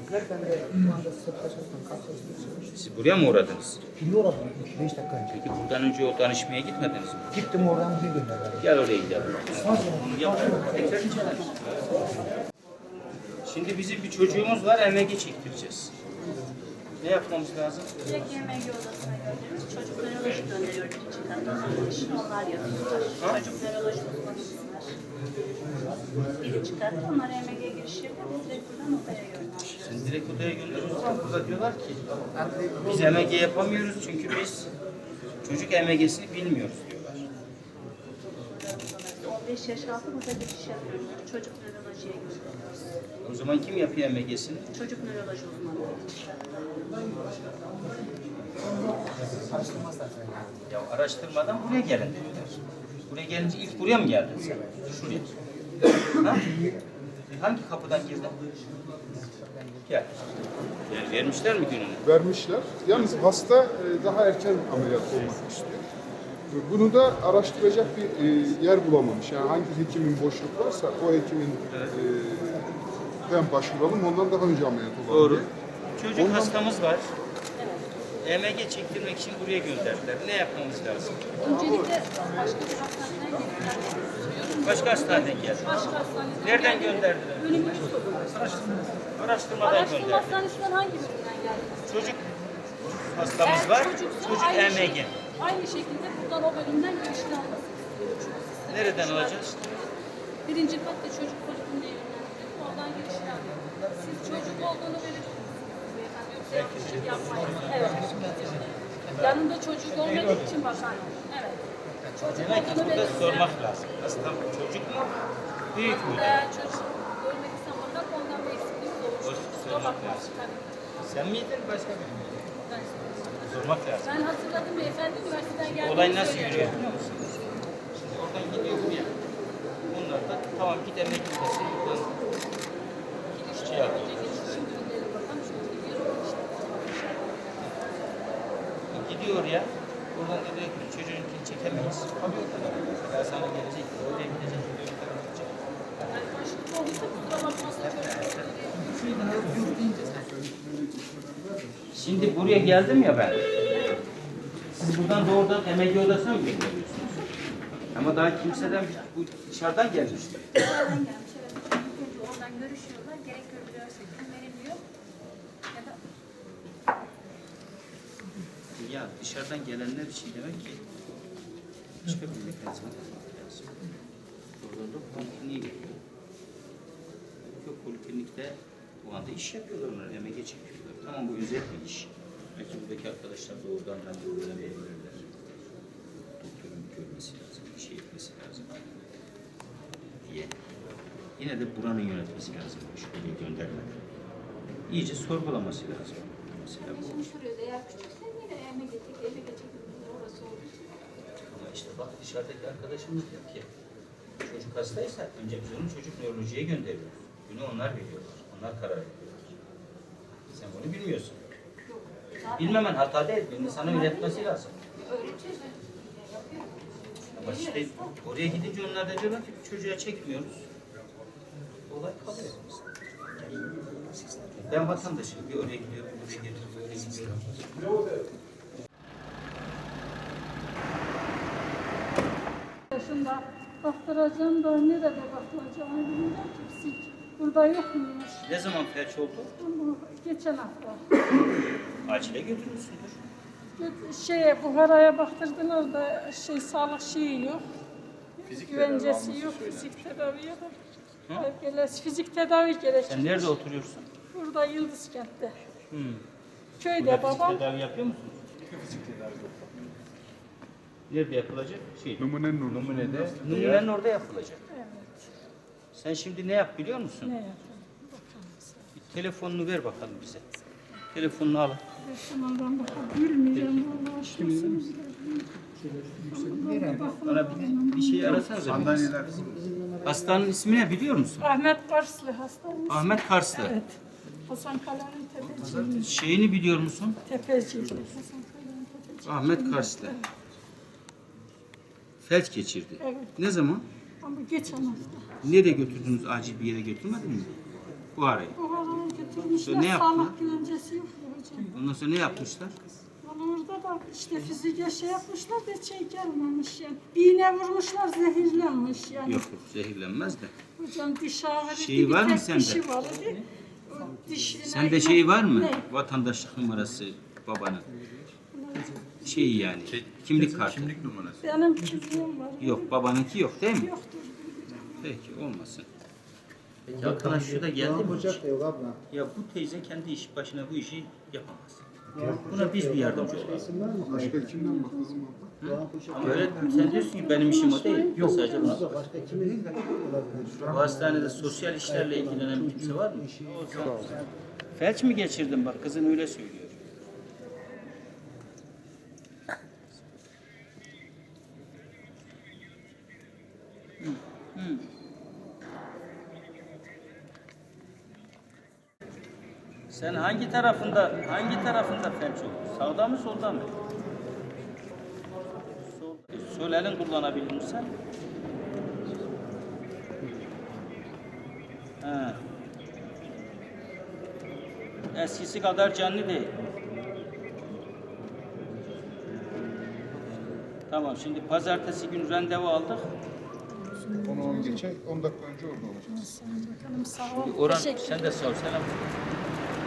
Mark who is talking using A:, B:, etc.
A: dediler. Ben de şu anda Sırtaş'tan karşılaştım.
B: Siz buraya mı uğradınız?
A: Şimdi uğradım 5 dakika önce.
B: Peki buradan önce o danışmaya gitmediniz mi?
A: Gittim oradan bir gönderdiler.
B: Gel oraya gidelim. Şimdi bizim bir çocuğumuz var, MG çektireceğiz. Ne yapmamız lazım?
C: Direkt yemek odasına gönderiyoruz. Çocuk nöroloji gönderiyor içinden. Onlar yapıyorlar. Çocuk nöroloji uzmanısınlar. Biri çıkartır, onlar EMG giriş yapıyor. Biz direkt buradan odaya gönderiyoruz.
B: Sen direkt odaya gönderiyorsun. Burada diyorlar ki biz MG yapamıyoruz çünkü biz çocuk MG'sini bilmiyoruz diyorlar.
C: 15 yaş altı burada giriş yapıyoruz. Çocuk nörolojiye gönderiyoruz.
B: O zaman kim yapıyor MG'sini?
C: Çocuk nöroloji uzmanı.
B: Ya araştırmadan buraya gelin diyorlar. Buraya gelince ilk buraya mı geldin sen? Şuraya. Ha? Hangi kapıdan girdin? Gel. Vermişler mi gününü?
D: Vermişler. Yalnız hasta daha erken ameliyat olmak istiyor. Bunu da araştıracak bir yer bulamamış. Yani hangi hekimin boşluk varsa o hekimin ben başvuralım, ondan daha önce ameliyat olalım
B: Doğru.
D: diye.
B: Çocuk hastamız var. EMG çektirmek için buraya gönderdiler. Ne yapmamız lazım?
C: Öncelikle başka bir hastaneden geldiler.
B: Başka hastaneden geldi.
C: Başka hastaneden
B: Nereden
C: geldiler.
B: gönderdiler?
C: Önümüzü soruyor.
B: Araştırmadan
C: Araştırma
B: gönderdi.
C: hastanesinden hangi birinden geldiniz?
B: Çocuk hastamız var.
C: Çocuksa
B: Çocuk
C: aynı
B: EMG.
C: Aynı şekilde buradan o bölümden girişini alması istiyoruz.
B: Nereden alacağız?
C: Birinci katta çocuk polikliğine yönlendirdik. Oradan girişini alıyoruz. Siz çocuk olduğunu verirsiniz. Beyefendi yoksa yaklaşık yapmayın. Evet. Yanında çocuk olmadığı için bakan. Evet. Çocuk
B: Demek ki
C: olduğunu
B: burada
C: verirse.
B: sormak lazım. Hasta çocuk mu? Büyük mü?
C: Eğer çocuk görmek istem bakan ondan bir eksikliğimiz olur.
B: O
C: Kusura
B: sormak
C: bakmayın.
B: lazım.
C: Tabii.
B: Sen miydin başka biri miydi?
C: Ben
B: Sormak lazım.
C: Ben hatırladım beyefendi üniversiteden geldiğini
B: Olay nasıl
C: söyledi.
B: yürüyor biliyor musunuz? Şimdi oradan gidiyor buraya. Bunlar da tamam git emek gitmesi. Buradan şey yapıyor.
C: Şimdi gidelim bakalım. Şimdi gidiyor işte.
B: Gidiyor oraya. Oradan da diyor ki çocuğunkini çekemeyiz. Abi o kadar. Mesela sana gelecek. Oraya gidecek. Oraya gidecek.
C: Yani başlıklı olursa kusura bakmasın çocuk.
B: Şimdi buraya geldim ya ben. Siz buradan doğrudan emek odasına mı gönderiyorsunuz? Ama daha kimseden bu dışarıdan gelmişti.
C: Dışarıdan gelmiş evet. İlk önce oradan görüşüyorlar. Gerek görülüyorsa kim veriliyor. Ya da
B: Ya dışarıdan gelenler için demek ki başka bir mekanizma lazım. Oradan da polikliniğe gidiyor. Yok poliklinikte bu anda iş yapıyorlar onlar, emeğe çekiyorlar. Tamam bu özel bir iş. Belki buradaki arkadaşlar doğrudan randevu verebilirler. Doktorun görmesi lazım, bir şey etmesi lazım diye. Yine de buranın yönetmesi lazım. Şuraya göndermek. İyice sorgulaması lazım. Mesela bu.
C: şimdi soruyordu. Eğer küçükse yine eve getirdik. Eve getirdik. Orası olduğu için.
B: Ama işte bak dışarıdaki arkadaşımız diyor ki çocuk hastaysa önce biz onu çocuk nörolojiye gönderiyoruz. Bunu onlar veriyorlar. Onlar karar veriyorlar. Sen bunu bilmiyorsun. Bilmemen hata değil. Birinin sana öğretmesi lazım.
C: Öğreteceğiz. Yapıyor.
B: Ama işte oraya gidince onlar da diyorlar ki çocuğa çekmiyoruz. Olay kalıyor. Ben vatandaşım. Bir oraya gidiyorum, bir oraya gidiyorum.
E: Yaşında baktıracağım da nerede bakılacağını bilmiyorum ki psik. Burada yokmuş.
B: Ne zaman felç oldu?
E: Bu geçen hafta.
B: Acile götürmüşsündür.
E: Buhara'ya baktırdılar da sağlık şeyi yok. Güvencesi yok, fizik tedavi yok. Fizik tedavi gerekir.
B: Sen nerede oturuyorsun?
E: Burada Yıldızkent'te.
B: Hmm.
E: Köyde
B: Burada
E: babam.
B: fizik tedavi yapıyor musun? Fizik tedavi yok. Nerede yapılacak?
D: Numunenin orada.
B: Numunede. Numunenin orada yapılacak.
E: Evet.
B: Sen şimdi ne yap biliyor musun?
E: Ne yapayım?
B: Bir telefonunu ver bakalım bize. Telefonunu al.
E: Şundan bilmeyeceğim vallahi şimdi.
B: Bana bir şey arasanıza. Sandalyeler. Hastanın ismi ne biliyor musun?
E: Ahmet Karslı hastanesi.
B: Ahmet Karslı.
E: Evet. Hasan Kala'nın tepeci.
B: Şeyini biliyor musun?
E: Tepeci. Hasan Kala'nın tepeci.
B: Ahmet Karslı. Felç geçirdi.
E: Evet.
B: Ne zaman?
E: Ama geçen hafta.
B: Nereye götürdünüz? Acil bir yere götürmediniz mi? Bu arayı.
E: Bu arada Yaptırmışlar.
B: Ne yaptılar?
E: Sağlık güvencesi yok ya hocam.
B: Ondan sonra ne yapmışlar?
E: Valla orada da işte fiziğe şey yapmışlar da şey gelmemiş yani. Bir iğne vurmuşlar zehirlenmiş yani.
B: Yok yok zehirlenmez de.
E: Hocam diş ağrı
B: Şeyi var mı
E: tek
B: sende?
E: dişi var idi. O dişine
B: Sende şey var mı?
E: Ne?
B: Vatandaşlık numarası babanın. Şey yani. Kimlik kartı.
E: Benim kimliğim var.
B: Yok babanınki yok değil mi?
E: Yoktur.
B: Peki olmasın. Peki arkadaş şu da geldi mi?
A: Ocak da yok abla.
B: Ya bu teyze kendi iş başına bu işi yapamaz. Buna biz bir yardımcı olalım.
A: İsim var mı?
D: Başka kimden bakalım abla?
A: Doğan Kuşak.
B: Ama öyle sen diyorsun ki benim işim o değil. Yok sadece buna.
A: Başka kimin olabilir?
B: Bu hastanede sosyal işlerle ilgilenen kimse var mı? Felç mi geçirdin bak kızın öyle söylüyor. Sen hangi tarafında felç oldun? Sağda mı solda mı? Solda. Sol elin kullanabilir misin? Ha. Eskisi kadar canlı değil. Tamam şimdi pazartesi günü randevu aldık.
D: Onu 10 geçe 10 dakika önce orada olacağız.
E: Bakalım sağ ol.
B: Orhan
E: Teşekkür
B: sen de sor selam.